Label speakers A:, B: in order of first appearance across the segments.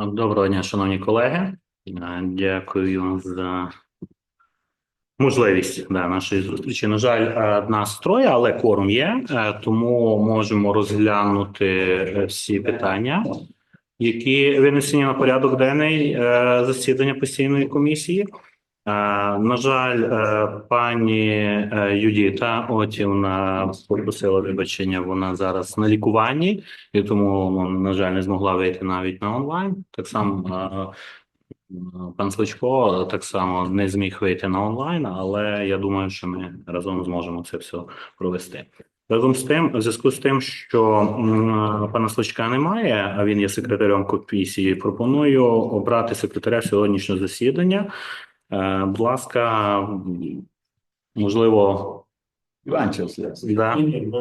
A: Доброго дня, шановні колеги. Дякую за можливість нашої зустрічі. На жаль, нас троє, але кворум є, тому можемо розглянути всі питання, які винесені на порядок денний засідання постійної комісії. На жаль, пані Юдіта Отівна попросила вибачення, вона зараз на лікуванні, і тому, на жаль, не змогла вийти навіть на онлайн. Так само пан Сличко так само не зміг вийти на онлайн, але я думаю, що ми разом зможемо це все провести. Разом з тим, в зв'язку з тим, що пана Сличка немає, а він є секретарем комісії, пропоную обрати секретаря сьогоднішнього засідання. Будь ласка, можливо,
B: Іванчев.
A: да.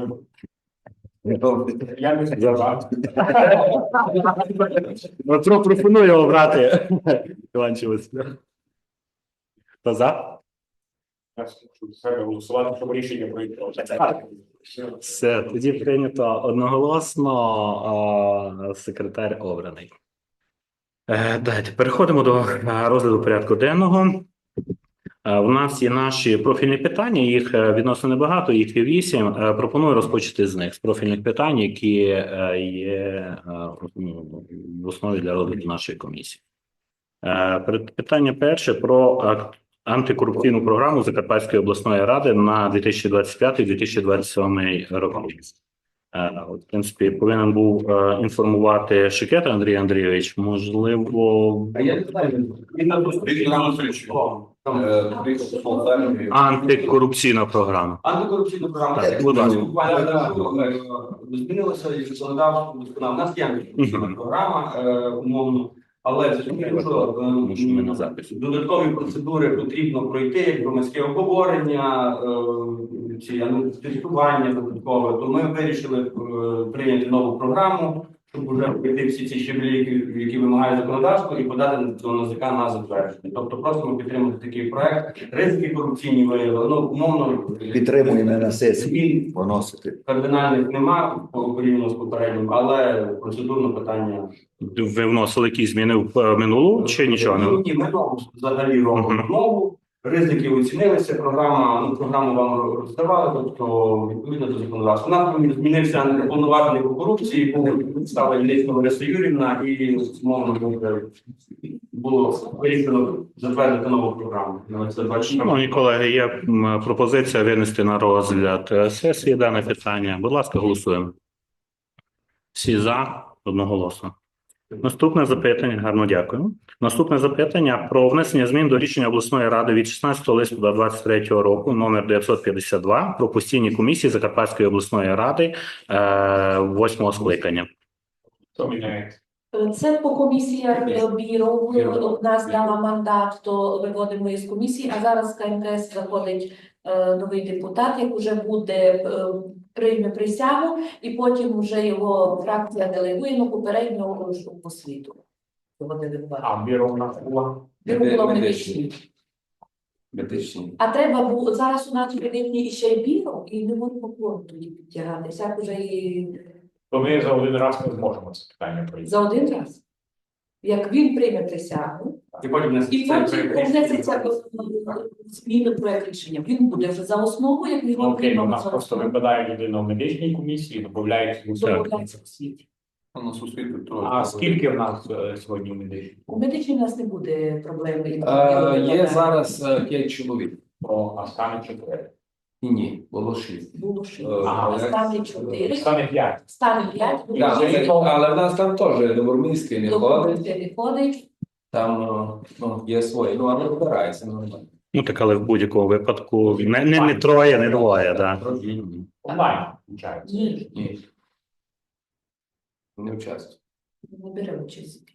A: Пропоную обрати Іванчева. Хто за?
C: Голосувати, щоб рішення пройшло.
A: Все, тоді прийнято одноголосно, секретар обраний. Давайте переходимо до розгляду порядку денного. У нас є наші профільні питання, їх відносно небагато, їх є 8. Пропоную розпочати з них, з профільних питань, які є в основі для розгляду нашої комісії. Питання перше про антикорупційну програму Закарпатської обласної ради на 2025-2027 роки. В принципі, повинен був інформувати Шикета Андрій Андрійович, можливо...
B: Я не знаю, він на
A: Антикорупційна програма.
D: Антикорупційна програма.
A: Так, будь ласка.
D: Змінилося і законодавство. У нас є антикорупційна програма, умовно, але зрозуміло, що додаткові процедури потрібно пройти, як громадське обговорення, ці тестування додаткове. То ми вирішили прийняти нову програму, щоб вже пройти всі ці щеблі, які вимагає законодавство, і подати до НАЗК на затвердження. Тобто просимо підтримати такий проект. Ризики корупційні виявили, умовно...
B: підтримуємо на сесії поносити.
D: Кардинальних нема порівняно з попереднім, але процедурне питання...
A: Ви вносили якісь зміни в минулу чи нічого не?
D: Ні, ми взагалі робимо нову. Ризики оцінилися, програму вам роздавали, тобто відповідно до законодавства. У нас змінився неповноважений по корупції, стала Іллєцька Лариса Юрівна, і умовно було вирішено затвердити нову програму.
A: Шановні колеги, є пропозиція винести на розгляд сесії дане питання. Будь ласка, голосуємо. Всі за, одноголосно. Наступне запитання, гарно дякую. Наступне запитання про внесення змін до рішення обласної ради від 16 листопада 2023 року, номер 952, про постійні комісії Закарпатської обласної ради 8-го скликання.
C: Хто міняється?
E: Це по комісіях бюро. Одна здала мандат, то виводимо із комісії, а зараз КМКС заходить новий депутат, як вже буде прийме присягу, і потім вже його фракція делегує, попереднього по світу.
C: А бюро у нас була?
E: Бюро було медичні. А треба було, зараз у нас медичні ще й бюро, і не можемо кворум тоді підтягатися, як вже і...
C: То ми за один раз не зможемо це питання пройти.
E: За один раз. Як він прийме присягу,
D: І потім
E: внесеться зміни проект рішення. Він буде вже за основу, як він
C: Окей, у
E: прийме
C: нас
E: за
C: просто
E: основу.
C: випадає людина в медичній комісії, додається
E: Додається в світ.
C: А скільки в нас сьогодні в медичній?
E: У медичній у нас не буде проблем.
F: Є зараз 5 чоловік.
C: А стане 4.
F: Ні, було 6.
E: Було 6.
C: Ага.
E: Стане 4.
C: Стане 5.
E: Стане 5.
F: Але в нас там теж Добромільський не ходить,
E: Не ходить.
F: там є свої, але вибирається нормально.
A: Так, але в будь-якому випадку не троє, не двоє, так.
C: Онлайн, включається.
E: Ні,
F: Ні. Не участвує.
E: не бере участь.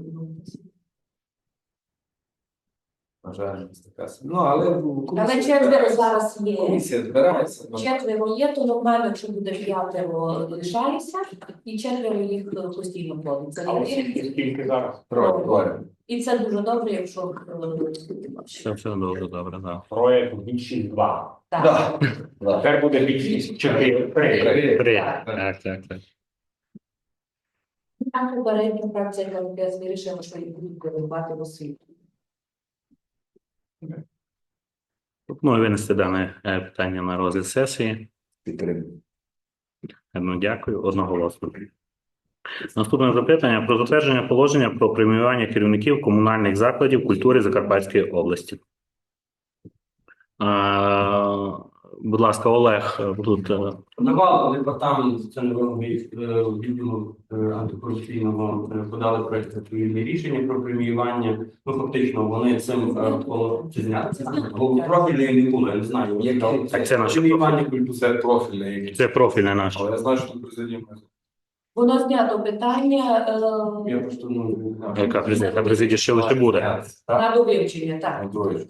F: На жаль, така. Але
E: Але четверо зараз є.
F: комісія збирається.
E: Четверо є, то нормально, якщо буде 5 лишається, і четверо їх постійно ходить. Це
C: А
E: є.
C: скільки зараз?
F: Троє.
E: І це дуже добре, якщо
A: Все дуже добре, так.
C: Троє, тоді 6-2.
E: так.
C: Тепер буде 6-4-3.
A: Три.
E: Так.
A: Так.
E: Так, попередньо фракція КНКС вирішила, що їх будуть керувати в освіту.
A: Пропоную винести дане питання на розгляд сесії.
B: Підтримую.
A: Ну, дякую, одноголосно. Наступне запитання про затвердження положення про преміювання керівників комунальних закладів культури Закарпатської області. Будь ласка, Олег, тут
D: Подавав департамент соціального відділу антикорупційного подали проект відповідне рішення про преміювання. Ну, фактично, вони цим чи зняти профільний не було, я не знаю.
A: Так, це наше
D: преміювання культури.
C: Це профільне якесь.
A: це профільне наше.
C: Але я знаю, що тут президент.
E: Воно знято питання
D: Я просто ну
A: Яка президія? Президія ще лише буде.
E: на довивчення, так.
C: Андроїд.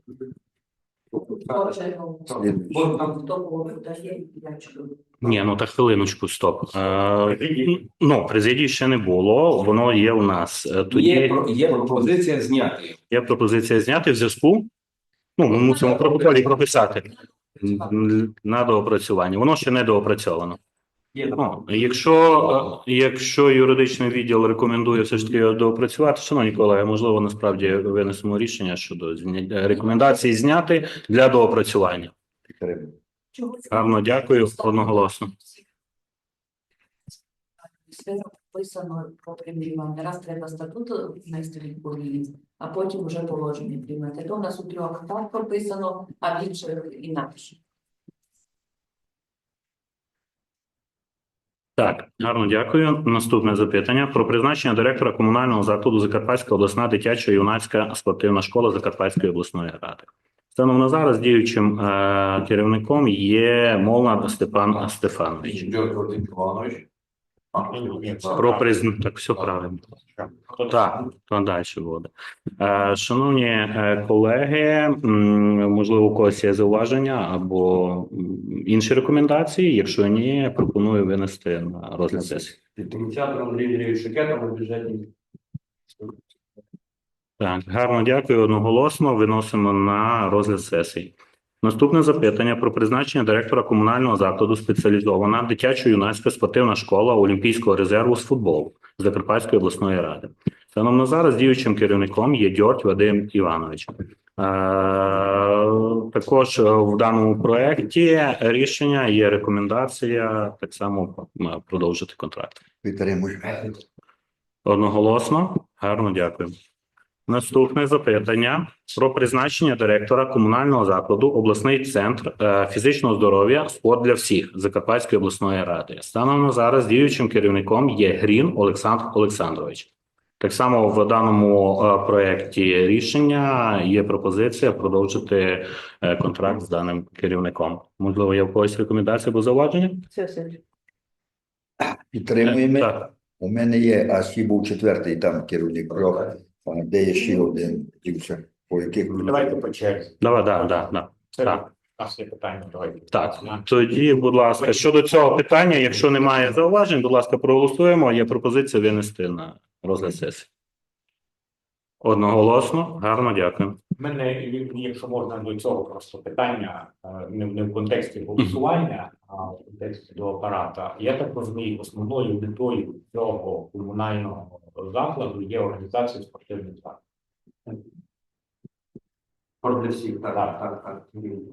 E: Отже, ну,
B: Слідуючий.
E: хто кого дає, я чую.
A: Ні, ну так хвилиночку, стоп. Ну, президії ще не було, воно є у нас. Тоді
F: Є пропозиція зняти.
A: є пропозиція зняти в зв'язку. Ну, ми мусимо в протоколі прописати на доопрацювання. Воно ще не доопрацьовано.
D: є
A: Ну, якщо юридичний відділ рекомендує все ж таки його доопрацювати, шановні колеги, можливо, насправді винесемо рішення щодо рекомендації зняти для доопрацювання.
B: Підтримую.
E: Чого це?
A: Гарно, дякую, одноголосно.
E: Все написано про преміювання. Раз треба статут внести відповідність, а потім вже положення приймати. То в нас у трьох так прописано, а в інших інакше.
A: Так, гарно дякую. Наступне запитання про призначення директора комунального закладу Закарпатська обласна дитяча юнацька спортивна школа Закарпатської обласної ради. Станом на зараз діючим керівником є Молнар Степан Стефанович.
C: Вадим Іванович.
A: Про так, все правильно. Так, то далі буде. Шановні колеги, можливо, у когось є зауваження або інші рекомендації. Якщо ні, пропоную винести на розгляд сесії.
D: ініціатором Андрій Андрійович Шикетом у бюджетній.
A: Так, гарно дякую. Одноголосно виносимо на розгляд сесії. Наступне запитання про призначення директора комунального закладу спеціалізована дитячо-юнацька спортивна школа Олімпійського резерву з футболу Закарпатської обласної ради. Станом на зараз діючим керівником є Дьорть Вадим Іванович. Також в даному проєкті рішення є рекомендація так само продовжити контракт.
B: Підтримую.
A: Одноголосно. Гарно дякую. Наступне запитання про призначення директора комунального закладу обласний центр фізичного здоров'я «Спорт для всіх» Закарпатської обласної ради. Станом на зараз діючим керівником є Грін Олександр Олександрович. Так само в даному проєкті рішення є пропозиція продовжити контракт з даним керівником. Можливо, є в когось рекомендації або зауваження?
B: Підтримуємо.
A: Так.
B: У мене є, а ще був четвертий там керівник трьох, де є ще один дівча, по яких
C: Давайте по черзі.
A: Давай, да.
C: Це
A: Так.
C: у нас є питання. Давайте.
A: Так, тоді, будь ласка, щодо цього питання, якщо немає зауважень, будь ласка, проголосуємо. Є пропозиція винести на розгляд сесії. Одноголосно, гарно, дякую.
C: У мене, якщо можна, до цього просто питання, не в контексті голосування, а в контексті до апарата. Я так розумію, основною метою цього комунального закладу є організація спортивних закладів.
D: Спорт для всіх, так.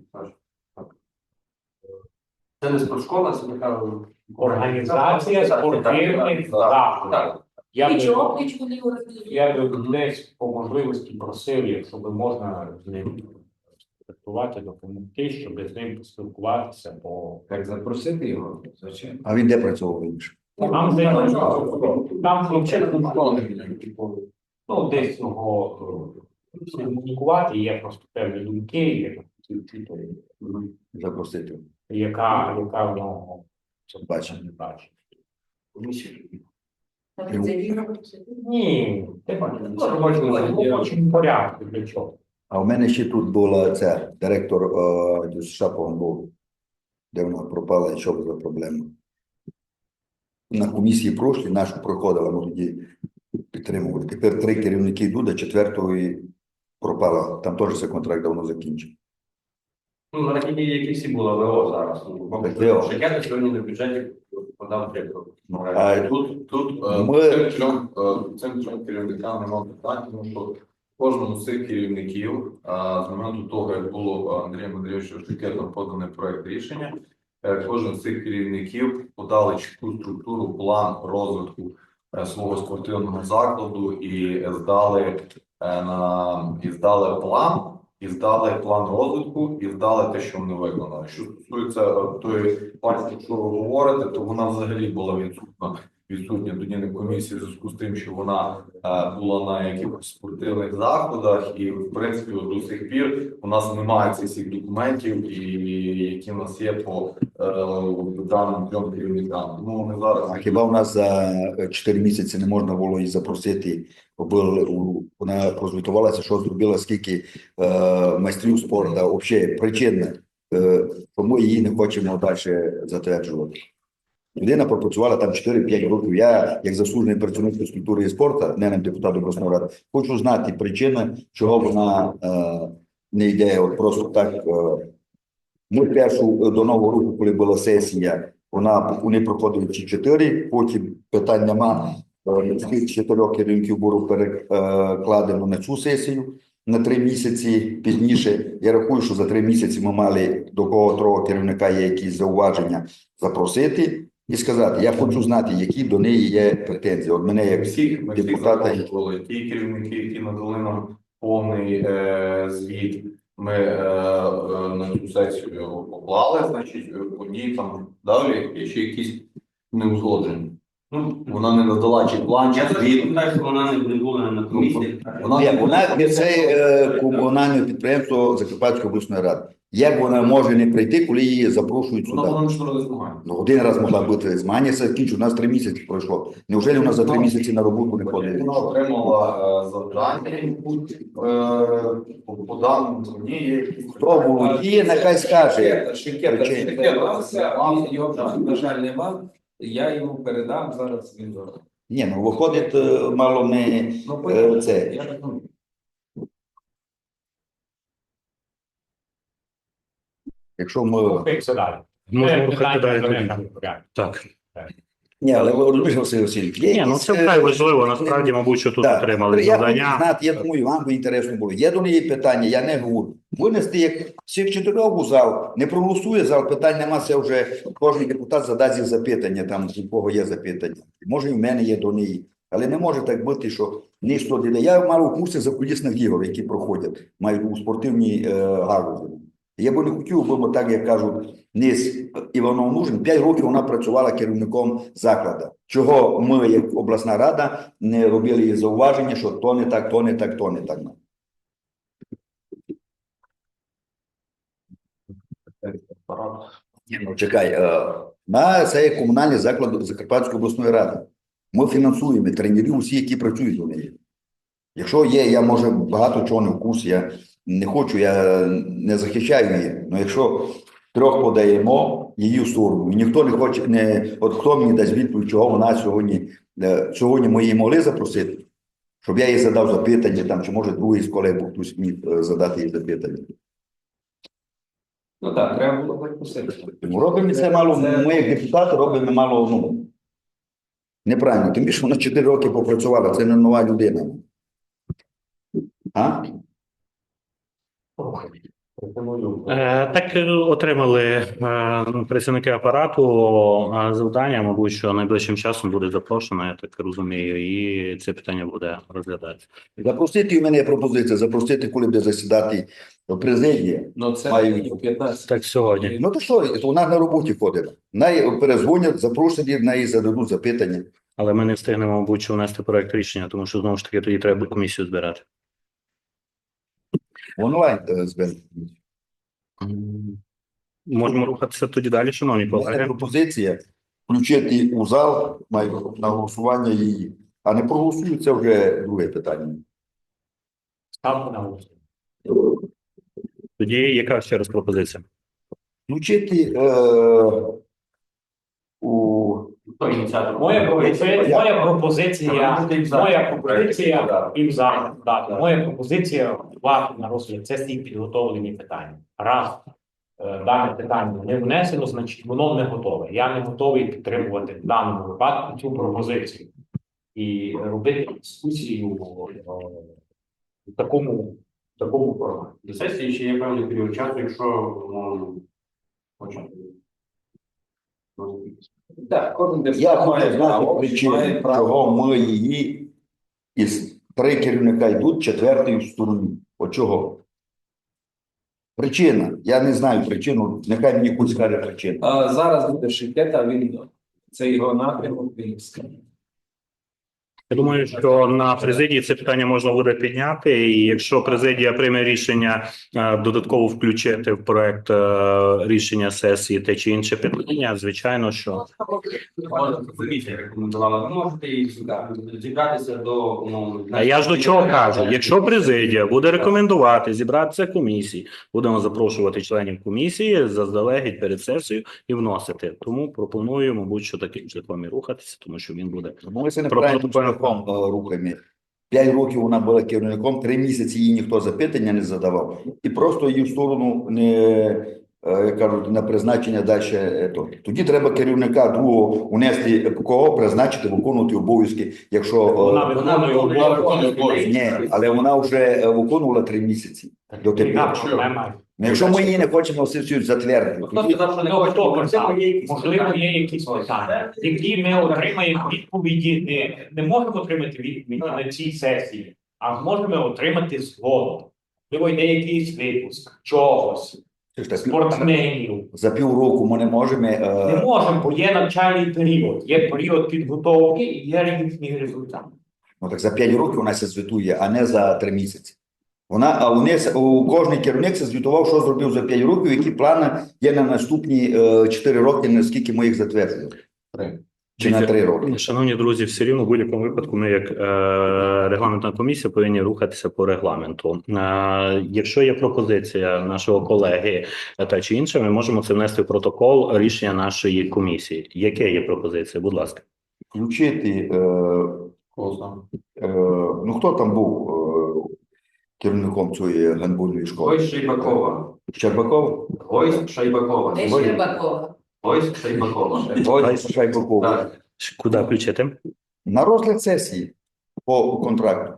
D: Це не спортшкола, це така
C: Організація спортивних закладів.
D: Так.
C: Я
E: І
C: би-
E: чого вони організують?
C: Я би десь по можливості просив, якщо би можна з ним спілкувати, допомогти, щоб з ним поспілкуватися, бо
F: Так запросити його, звичайно.
B: А він де працював інше?
C: там там хлопчина ну, десь його комунікувати, є просто певні думки, є вчителі,
B: Запросити.
C: яка в нього
B: Бачення.
C: не бачить.
E: Там це вільно.
C: Ні, ти бачиш, в робочому порядку для чого.
B: А в мене ще тут була ця директор Шапован був, де вона пропала, і що за проблема. На комісії прошлі нашу проходила, ми тоді підтримували. Тепер 3 керівники йдуть, а 4-ї пропала. Там теж цей контракт давно закінчив.
D: Ну, на рахунки, які всі були ВО зараз.
B: Так, ВО.
D: Шикета сьогодні на бюджеті
G: подам приклад.
B: А,
G: Тут
B: ми-
G: цим трьом керівникам немає питань, тому що кожному з цих керівників з моменту того, як було Андрієм Андрійовичем Штикетом поданий проект рішення, кожен з цих керівників подали чітку структуру, план розвитку свого спортивного закладу і здали план. І здали план розвитку, і здали те, що вони виконали. Що стосується тої партії, що ви говорите, то вона взагалі була відсутня тоді на комісії в зв'язку з тим, що вона була на якихось спортивних заходах, і в принципі до сих пір у нас немає цих всіх документів, які в нас є по даним трьом керівникам. Тому ми зараз
B: А хіба в нас за 4 місяці не можна було її запросити? Вона прозвітувалася, що зробила, скільки майстрів спорту, взагалі причина, чому її не хочемо далі затверджувати. Людина пропрацювала там 4-5 років. Я, як заслужений працівник фізкультури і спорту, не депутат обласної ради, хочу знати причину, чого вона не йде от просто так. Ми першу до Нового року, коли була сесія, вони проходили ці 4, потім питань нема. З 4 керівників було перекладено на цю сесію на 3 місяці пізніше. Я рахую, що за 3 місяці ми мали до кого керівника є якісь зауваження запросити і сказати, я хочу знати, які до неї є претензії. От мене як
G: всіх
B: депутата.
G: запрошували. Ті керівники, які надали нам повний звіт, ми на цю сесію поклали, значить, одні там далі є ще якісь неузгоджені. Ну, вона не надала чи план, чи
D: Я зараз
G: звіт.
D: питаю, що вона не була на комісії.
B: Вона це комунальне підприємство Закарпатської обласної ради. Як вона може не прийти, коли її запрошують
G: Вона
B: сюди?
G: була нічого не змагає.
B: Ну, один раз могла бути змагання, закінчу, у нас 3 місяці пройшло. Неужели у нас за 3 місяці на роботу не ходить?
G: Вона отримала завдання по даному мені є якісь.
B: Хто володіє, нехай скаже.
F: Його, на жаль, нема. Я йому передам зараз. Він зараз.
B: Ні, ну виходить, мало не це.
F: Я так думаю.
B: Якщо ми...
C: Рухаємося далі.
A: Можемо рухати далі.
C: Питання
A: тоді.
C: порядку.
A: Так.
B: Ні, але ви розумієте, Василь Васильович, є
A: Ні, ну
B: якісь,
A: це вкрай важливо. Насправді, мабуть, що тут
B: так,
A: отримали
B: я хочу
A: завдання.
B: знати, я думаю, вам би інтересно було. Є до неї питання, я не говорю. Винести як всіх 4 у зал, не проголосує зал, питань нема, це вже кожен депутат задасть їй запитання, там у кого є запитання. Може і в мене є до неї. Але не може так бути, що ніхто не... Я мав у курсі закулісних ігор, які проходять, мають у спортивній галузі. Я би не хотів, бо так, як кажуть, Низ Іванов Нужин, 5 років вона працювала керівником закладу. Чого ми, як обласна рада, не робили їй зауваження, що то не так, то не так, то не так. Ні, ну чекай, це є комунальний заклад Закарпатської обласної ради. Ми фінансуємо тренерів усі, які працюють у неї. Якщо є, я може багато чого не в курсі, я не хочу, я не захищаю її. Але якщо 3 подаємо її в сторону, і ніхто не хоче, от хто мені дасть відповідь, чого вона сьогодні ми її могли запросити, щоб я їй задав запитання, там, чи може другий з колег був хтось міг задати їй запитання.
F: Ну так, треба було так посилити.
B: Тому робимо це мало, ми як депутати робимо мало, неправильно. Тим більше вона 4 роки попрацювала, це не нова людина. А?
C: Пропоную.
A: Так отримали працівники апарату завдання, мабуть, що найближчим часом буде запрошено, я так розумію, і це питання буде розглядатися.
B: Запросити, у мене є пропозиція, запросити, коли буде засідати президія.
F: Ну це
B: Маю.
F: 15.
A: Так, сьогодні.
B: Ну то що, вона на роботі ходить. Най перезвонять, запрошені, неї зададуть запитання.
A: Але ми не встигнемо, мабуть, що внести проект рішення, тому що, знову ж таки, тоді треба комісію збирати.
B: Онлайн зберемо.
A: Можемо рухатися тоді далі, шановні
B: У мене
A: колеги.
B: пропозиція включити у зал на голосування її. А не проголосують, це вже друге питання.
C: Ставте на голосування.
A: Тоді яка ще раз пропозиція?
B: Включити у...
D: Хто ініціатор?
C: Моя пропозиція і зараз дати. Моя пропозиція вважати на розгляд сесії підготовлені питання. Раз дане питання не внесено, значить воно не готове. Я не готовий підтримувати в даному випадку цю пропозицію і робити дискусію в такому форматі.
D: До сесії ще є певний період часу, якщо хочемо.
F: Так, кожен
B: Я
F: депутат
B: хочу
F: має
B: знати
F: право,
B: причину,
F: має право.
B: чого ми її із 3 керівника йдуть, 4-й в сторону. От чого? Причина. Я не знаю причину. Нехай мені хтось скаже причину.
F: Зараз буде Шикета, він це його напрямок, він скаже.
A: Я думаю, що на президії це питання можна буде підняти, і якщо президія прийме рішення додатково включити в проект рішення сесії те чи інше питання, звичайно, що
D: Комісія рекомендувала. Ви можете і зібратися до умовно.
A: а я ж до чого кажу, якщо президія буде рекомендувати зібратися комісії, будемо запрошувати членів комісії заздалегідь перед сесією і вносити. Тому пропоную, мабуть, що таким шляхом і рухатися, тому що він буде
B: Ми це неправильним шляхом рухаємо. 5 років вона була керівником, 3 місяці їй ніхто запитання не задавав. І просто її в сторону не, як кажуть, на призначення далі. Тоді треба керівника другого унести, кого призначити, виконувати обов'язки, якщо...
C: Вона виконує обов'язки.
B: Ні, але вона вже виконувала 3 місяці. До
C: Яка
B: тепер.
C: проблема?
B: Ну, якщо ми її не хочемо сесію затвердити,
D: Хто
B: тоді
D: сказав, що не
C: Ну,
D: хоче?
C: хто
D: Можливо, є якісь
C: Можливо,
D: питання.
C: є якісь питання, які ми отримаємо відповіді. Не можемо отримати відповіді на цій сесії, а можемо отримати згодом. Можливо, йде якийсь випуск чогось,
B: це ж так,
C: спортсменів.
B: за півроку ми не можемо.
C: Не можемо, бо є навчальний період, є період підготовки і є їхній результат.
B: Ну так за 5 років вона це звітує, а не за 3 місяці. У кожний керівник це звітував, що зробив за 5 років, які плани є на наступні 4 роки, наскільки ми їх затвердили. Чи на 3 роки.
A: Шановні друзі, все рівно в будь-якому випадку ми, як регламентна комісія, повинні рухатися по регламенту. Якщо є пропозиція нашого колеги та чи інше, ми можемо це внести в протокол рішення нашої комісії. Яке є пропозиція? Будь ласка.
B: Включити, ну хто там був керівником цієї гандбольної школи?
D: Ось Шайбакова.
B: Щербаков?
D: Ось Шайбакова.
E: Де Щербакова?
D: Ось Шайбакова.
B: Ось Шайбаков.
D: Так.
A: Куди включити?
B: На розгляд сесії по контракту.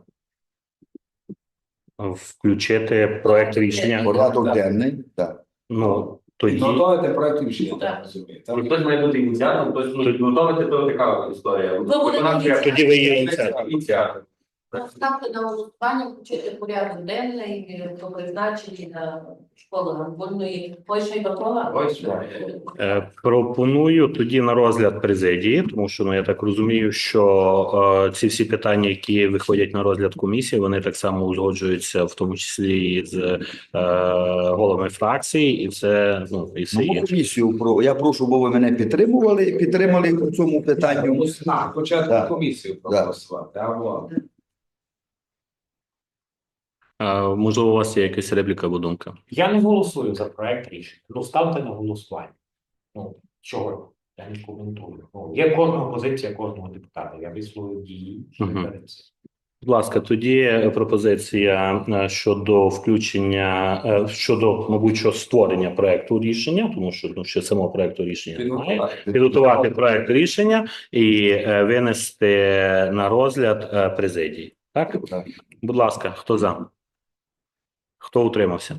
A: Включити проект рішення.
B: Порядок денний. Так.
A: Ну, тоді.
F: Підготовити проект рішення,
E: Так.
F: так розумію.
D: Ну, хтось має бути ініціатором, хтось може підготовити, то така історія.
E: Ви будете
A: Тоді ви є ініціатор.
D: Ініціатор.
E: Ставте на голосування, включити порядок денний про призначення на школи гандбольної. Ось Шайбакова.
D: Ось Шайбакова.
A: Пропоную тоді на розгляд президії, тому що я так розумію, що ці всі питання, які виходять на розгляд комісії, вони так само узгоджуються, в тому числі і з головами фракцій, і все і все
B: Мою
A: інше.
B: комісію, я прошу, бо ви мене підтримали в цьому питанню.
F: Спочатку
B: Так.
F: комісію проголосувати, а вот.
A: Можливо, у вас є якась репліка або думка?
C: Я не голосую за проект рішення. Ну, ставте на голосування. Ну, чого? Я не коментую. Ну, є кожна позиція кожного депутата. Я висловив її.
A: Мгм. Будь ласка, тоді пропозиція щодо включення, щодо, мабуть, що створення проекту рішення, тому що ще самого проекту рішення немає. Підготувати проект рішення і винести на розгляд президії. Так?
B: Так.
A: Будь ласка, хто за? Хто утримався?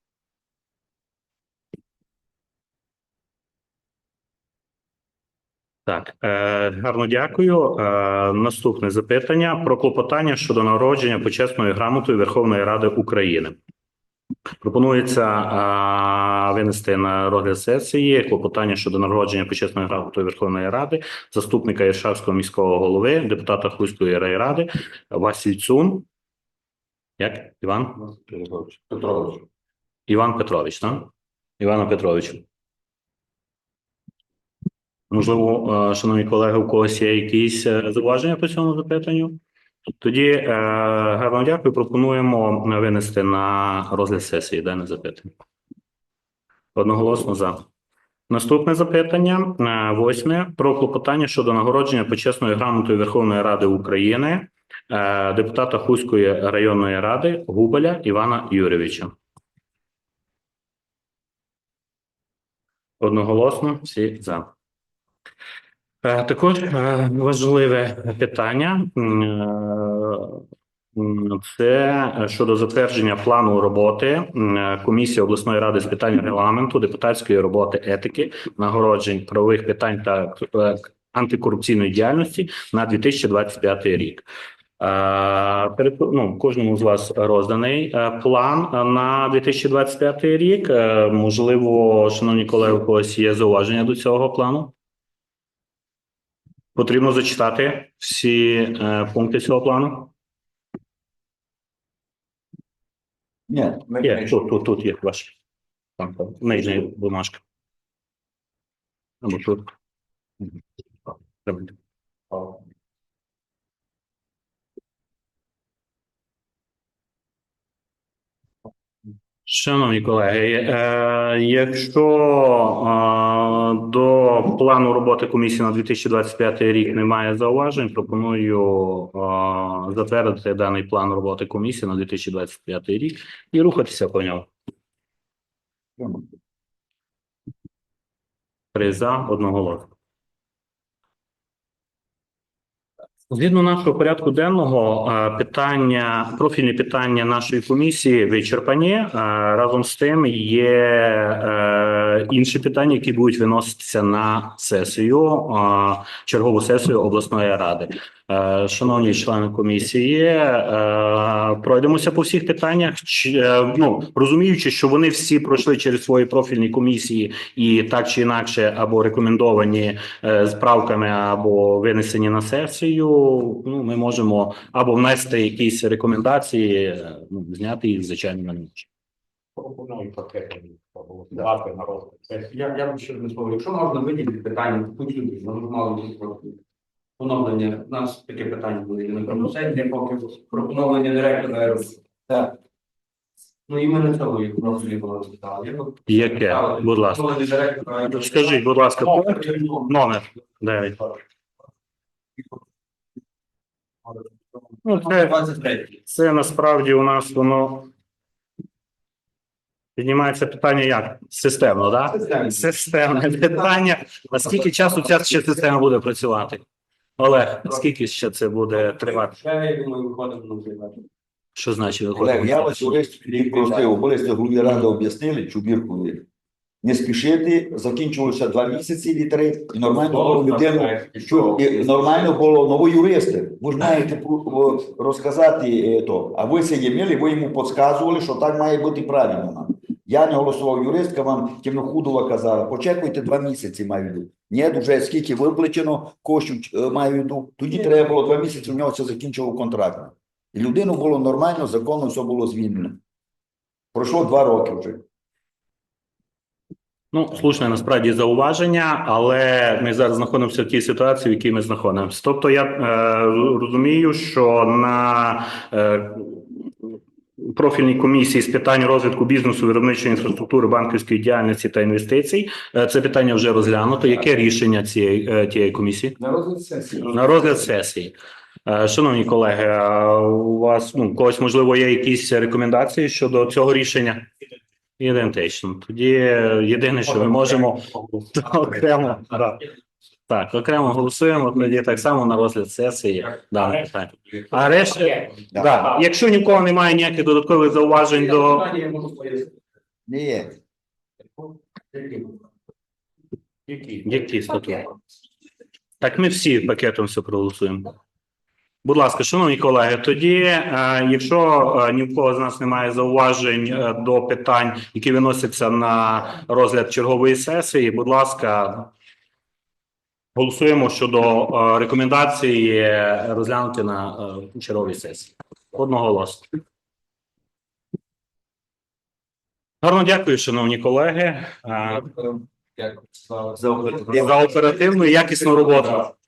A: Так, гарно дякую. Наступне запитання про клопотання щодо нагородження почесною грамотою Верховної Ради України. Пропонується винести на розгляд сесії клопотання щодо нагородження почесною грамотою Верховної Ради заступника Іршавського міського голови, депутата Хуської райради Васильцун. Як? Іван?
G: Петрович.
A: Іван Петрович, так? Івана Петровичу. Можливо, шановні колеги, у когось є якісь зауваження по цьому запитанню? Тоді гарно дякую. Пропонуємо винести на розгляд сесії дане запитання. Одноголосно за. Наступне запитання, 8. Про клопотання щодо нагородження почесною грамотою Верховної Ради України депутата Хуської районної ради Губеля Івана Юрійовича. Одноголосно, всі за. Також важливе питання це щодо затвердження плану роботи комісії обласної ради з питань регламенту, депутатської роботи, етики, нагороджень, правових питань та антикорупційної діяльності на 2025 рік. Кожному з вас розданий план на 2025 рік. Можливо, шановні колеги, у когось є зауваження до цього плану? Потрібно зачитати всі пункти цього плану?
B: Ні,
A: Є, тут є ваш. Там, нижня бумажка. Або тут. Давайте. Шановні колеги, якщо до плану роботи комісії на 2025 рік немає зауважень, пропоную затвердити даний план роботи комісії на 2025 рік і рухатися по ньому. 3 за, одноголосно. Згідно нашого порядку денного, профільні питання нашої комісії вичерпані. Разом з тим є інші питання, які будуть виноситися на сесію, чергову сесію обласної ради. Шановні члени комісії, пройдемося по всіх питаннях, розуміючи, що вони всі пройшли через свої профільні комісії і так чи інакше або рекомендовані з правками, або винесені на сесію. Ми можемо або внести якісь рекомендації, зняти їх, звичайно, на ніч.
C: Пропоную пакетом голосувати на розгляд.
D: Я б ще не слово. Якщо можна виділити питання, почути, мало поновлення. У нас таке питання було і на промосейні, поки про поновлення директора. Так. Ну і ми на цьому їх розглядали розглядали.
A: Яке? Будь ласка. Скажіть, будь ласка, номер 9. Це насправді у нас воно піднімається питання як? Системно, так? Системне питання. А скільки часу ця ще система буде працювати? Олег, скільки ще це буде тривати?
D: Я думаю, виходимо на займати.
A: Що значить
B: Олег,
A: виходити?
B: я вас юрист просив, обов'язково голові ради об'яснили, чубірку не спішити, закінчилося 2 місяці і 3, і нормально було людину, нормально було нового юриста. Ви ж маєте розказати то, а ви це є мили, ви йому підказували, що так має бути правильно. Я не голосував юристка, вам Темнохудова казала, почекайте 2 місяці, маю йду. Ні, вже скільки виплачено, коштів маю йду. Тоді треба було 2 місяці, у нього це закінчило контракт. І людину було нормально, законно все було звільнено. Пройшло 2 роки вже.
A: Слушне насправді зауваження, але ми зараз знаходимося в тій ситуації, в якій ми знаходимося. Тобто я розумію, що на профільній комісії з питань розвитку бізнесу, виробничої інфраструктури, банківської діяльності та інвестицій це питання вже розглянуто. Яке рішення тієї комісії?
F: На розгляд сесії.
A: На розгляд сесії. Шановні колеги, у вас когось, можливо, є якісь рекомендації щодо цього рішення? Ідентично. Тоді єдине, що ми можемо окремо, окремо голосуємо, тоді так само на розгляд сесії дане питання. А решта, якщо ні в кого немає ніяких додаткових зауважень до...
B: Ні.
A: Які статути? Так ми всі пакетом все проголосуємо. Будь ласка, шановні колеги, тоді, якщо ні в кого з нас немає зауважень до питань, які виносяться на розгляд чергової сесії, будь ласка, голосуємо щодо рекомендації розглянути на черговій сесії. Одноголосно. Гарно дякую, шановні колеги,
F: Дякую
A: за оперативну і якісну роботу.